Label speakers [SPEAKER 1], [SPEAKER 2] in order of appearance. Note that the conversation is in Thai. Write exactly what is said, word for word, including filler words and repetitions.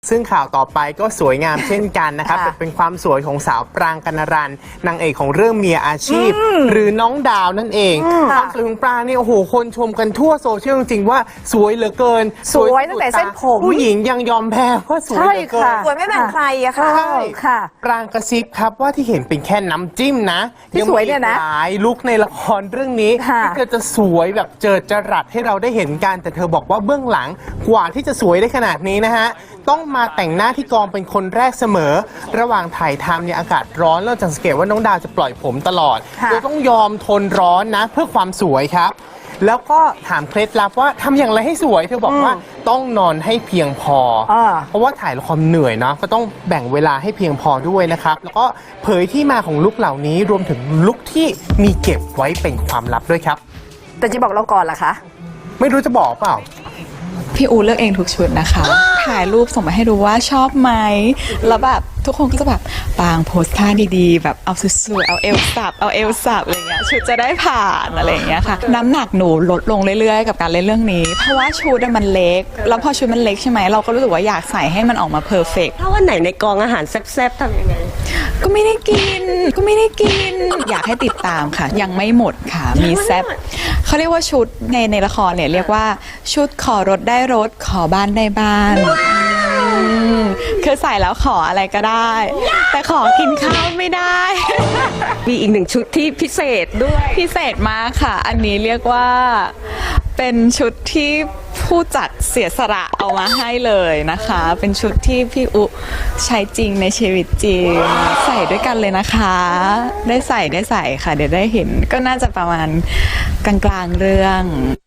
[SPEAKER 1] ซึ่งข่าวต่อไปก็สวยงามเช่นกันนะครับ เป็นความสวยของสาวปรางกนรันนางเอกของเรื่องเมียอาชีพ หรือน้องดาวนั่นเองความสวยของปรางนี่โอ้โหคนชมกันทั่วโซเชียลจริงๆว่าสวยเหลือเกิน
[SPEAKER 2] สวยตั้งแต่เส้นผม
[SPEAKER 1] ผู้หญิงยังยอมแพ้ว่าสวยเหลือเกิน
[SPEAKER 2] สวยไม่แบ่งใครอะค่ะ
[SPEAKER 1] ใช่
[SPEAKER 2] ค่ะ
[SPEAKER 1] ปรางกระซิบครับว่าที่เห็นเป็นแค่น้ำจิ้มนะ
[SPEAKER 2] ที่สวยเนี่ยนะ
[SPEAKER 1] งมีหลายลุคในละครเรื่องนี้
[SPEAKER 2] ค่ะ
[SPEAKER 1] ที่เธอจะสวยแบบเจิดจรัสให้เราได้เห็นกันแต่เธอบอกว่าเบื้องหลังกว่าที่จะสวยได้ขนาดนี้นะฮะต้องมาแต่งหน้าที่กองเป็นคนแรกเสมอ ระหว่างถ่ายทำเนี่ยอากาศร้อนเราจะสังเกตว่าน้องดาวจะปล่อยผมตลอด
[SPEAKER 2] ค่ะ
[SPEAKER 1] โดยต้องยอมทนร้อนนะเพื่อความสวยครับ แล้วก็ถามเคล็ดลับว่าทำอย่างไรให้สวยเธอบอกว่าต้องนอนให้เพียงพออา เพราะว่าถ่ายละครเหนื่อยเนาะก็ต้องแบ่งเวลาให้เพียงพอด้วยนะครับแล้วก็เผยที่มาของลุคเหล่านี้รวมถึงลุคที่มีเก็บไว้เป็นความลับด้วยครับ
[SPEAKER 2] แต่จะบอกเราก่อนล่ะคะ
[SPEAKER 1] ไม่รู้จะบอกเปล่า
[SPEAKER 3] พี่อูเลือกเองทุกชุดนะคะ ถ่ายรูปส่งมาให้ดูว่าชอบไหม แล้วแบบทุกคนก็จะแบบปางโพสท่าดีๆ แบบเอาสวยๆ เอาเอวสับ เอาเอวสับอะไรเงี้ย ชุดจะได้ผ่านอะไรอย่างเงี้ยค่ะ น้ำหนักหนูลดลงเรื่อยๆ กับการเล่นเรื่องนี้ เพราะว่าชุดมันเล็ก แล้วพอชุดมันเล็กใช่ไหม เราก็รู้สึกว่าอยากใส่ให้มันออกมาเพอร์เฟกต์
[SPEAKER 4] ถ้าวันไหนในกองอาหารแซ่บๆทำยังไง
[SPEAKER 3] ก็ไม่ได้กิน ก็ไม่ได้กิน อยากให้ติดตามค่ะ ยังไม่หมดค่ะ มีแซบเขาเรียกว่าชุดในในละครเนี่ยเรียกว่าชุดขอรถได้รถขอบ้านได้บ้านอืมคือใส่แล้วขออะไรก็ได้ แต่ขอกินข้าวไม่ได้
[SPEAKER 4] มีอีกหนึ่งชุดที่พิเศษด้วย
[SPEAKER 3] พิเศษมากค่ะ อันนี้เรียกว่าเป็นชุดที่ผู้จัดเสียสละเอามาให้เลยนะคะ เป็นชุดที่พี่อุใช้จริงในชีวิตจริง ใส่ด้วยกันเลยนะคะ ได้ใส่ได้ใส่ค่ะ เดี๋ยวได้เห็นก็น่าจะประมาณกลางๆเรื่อง